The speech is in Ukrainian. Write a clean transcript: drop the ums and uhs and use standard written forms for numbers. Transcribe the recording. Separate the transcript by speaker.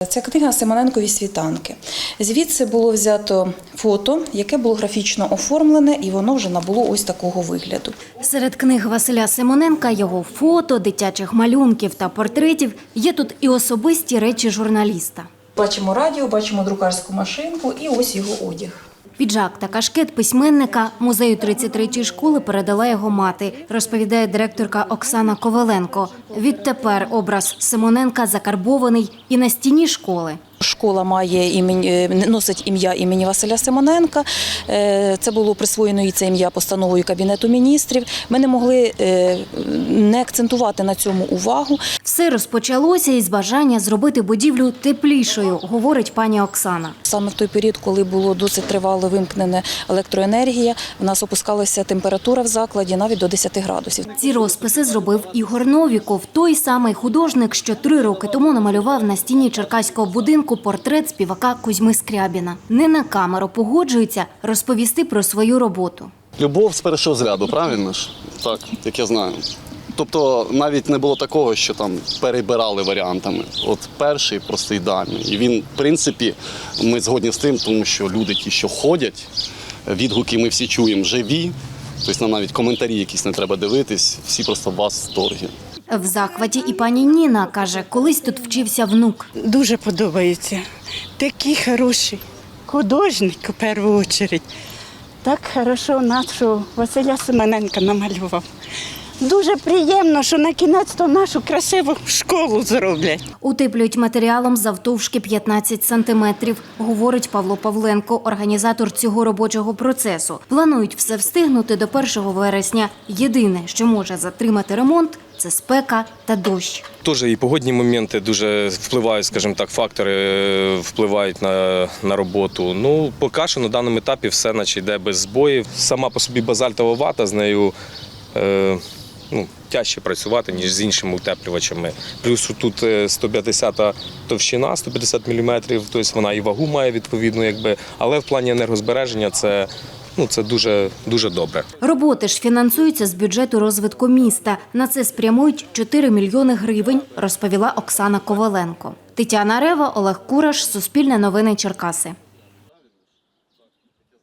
Speaker 1: Це книга «Симоненкові світанки». Звідси було взято фото, яке було графічно оформлене, і воно вже набуло ось такого вигляду.
Speaker 2: Серед книг Василя Симоненка, його фото, дитячих малюнків та портретів є тут і особисті речі журналіста.
Speaker 1: Бачимо радіо, бачимо друкарську машинку і ось його одяг.
Speaker 2: Піджак та кашкет письменника музею 33-ї школи передала його мати, розповідає директорка Оксана Коваленко. Відтепер образ Симоненка закарбований і на стіні школи.
Speaker 1: Школа носить ім'я імені Василя Симоненка. Це було присвоєно і це ім'я постановою Кабінету міністрів. Ми не могли не акцентувати на цьому увагу.
Speaker 2: Все розпочалося із бажання зробити будівлю теплішою, говорить пані Оксана.
Speaker 1: Саме в той період, коли було досить тривало вимкнена електроенергія, в нас опускалася температура в закладі навіть до 10 градусів.
Speaker 2: Ці розписи зробив Ігор Новіков, той самий художник, що 3 роки тому намалював на стіні черкаського будинку портрет співака Кузьми Скрябіна. Не на камеру погоджується розповісти про свою роботу.
Speaker 3: Любов з першого зряду, правильно ж? Так, як я знаю. Тобто навіть не було такого, що там перебирали варіантами. От перший просто ідеальний. І він, в принципі, ми згодні з тим, тому що люди ті, що ходять, відгуки ми всі чуємо живі, тобто нам навіть коментарі якісь не треба дивитись, всі просто в восторгі.
Speaker 2: В захваті і пані Ніна, каже, колись тут вчився внук.
Speaker 4: Дуже подобається. Такий хороший художник, у першу чергу. Так хорошо нашого Василя Симоненка намалював. Дуже приємно, що на кінець-то нашу красиву школу зроблять.
Speaker 2: Утеплюють матеріалом завтовшки 15 сантиметрів, говорить Павло Павленко, організатор цього робочого процесу. Планують все встигнути до 1 вересня. Єдине, що може затримати ремонт – це спека та дощ.
Speaker 5: Теж і погодні моменти дуже впливають, скажімо так, фактори впливають на роботу. Ну, поки що на даному етапі все наче йде без збоїв. Сама по собі базальтова вата, з нею тяжче працювати, ніж з іншими утеплювачами. Плюс тут 150 товщина, 150 мм, тобто вона і вагу має відповідно, але в плані енергозбереження це дуже добре.
Speaker 2: Роботи ж фінансуються з бюджету розвитку міста. На це спрямують 4 мільйони гривень, розповіла Оксана Коваленко. Тетяна Рева, Олег Кураш, Суспільне новини Черкаси.